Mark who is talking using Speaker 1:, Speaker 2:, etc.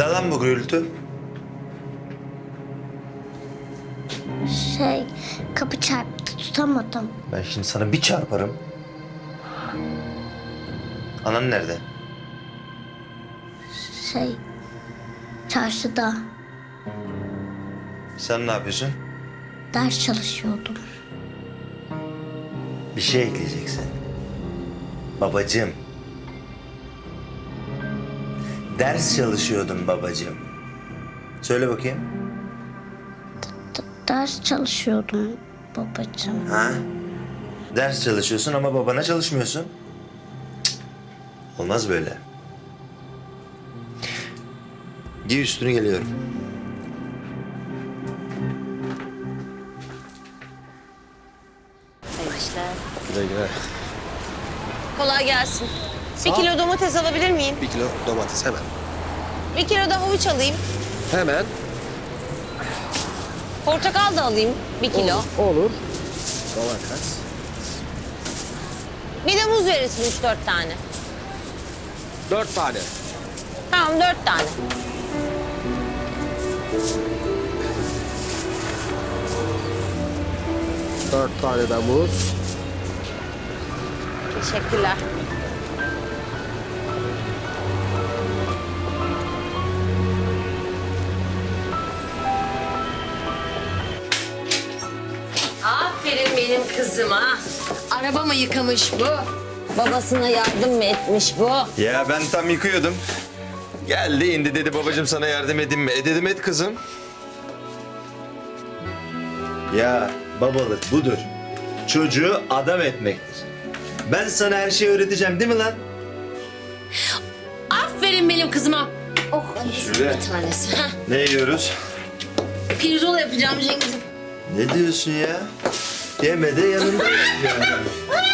Speaker 1: Ne lan bu gürültü?
Speaker 2: Kapı çarptı, tutamadım.
Speaker 1: Ben şimdi sana bir çarparım. Anan nerede?
Speaker 2: Çarşıda
Speaker 1: Sen ne yapıyorsun?
Speaker 2: ders çalışıyordum.
Speaker 1: Bir şey ekleyeceksin. Babacığım. Ders çalışıyordum babacığım. Söyle bakayım.
Speaker 2: Ders çalışıyordum babacığım.
Speaker 1: Ha? Ders çalışıyorsun ama babana çalışmıyorsun. Cık, olmaz böyle. Giy üstünü, geliyorum.
Speaker 3: Güle güle.
Speaker 4: Kolay gelsin. Bir kilo domates alabilir miyim?
Speaker 3: 1 kilo domates hemen.
Speaker 4: Bir kilo da havuç alayım.
Speaker 3: Hemen.
Speaker 4: Portakal da alayım 1 kilo.
Speaker 3: Olur. Domates.
Speaker 4: Bir de muz verirsin 3-4 tane.
Speaker 3: 4 tane.
Speaker 4: Tamam 4 tane.
Speaker 3: Dört tane de muz.
Speaker 4: Teşekkürler. Aferin benim kızıma. Araba mı yıkamış bu? Babasına yardım mı etmiş bu?
Speaker 1: Ya ben tam yıkıyordum. Geldi indi dedi babacığım sana yardım edeyim mi? Dedim et kızım. Ya babalık budur. Çocuğu adam etmektir. Ben sana her şeyi öğreteceğim değil mi lan?
Speaker 4: Aferin benim kızıma. Oh,
Speaker 1: Şöyle.
Speaker 4: bir tanesi. Heh.
Speaker 1: Ne yiyoruz?
Speaker 4: Pirzola yapacağım Cengiz'im.
Speaker 1: Ne diyorsun ya? Yeme de yanında yap ya.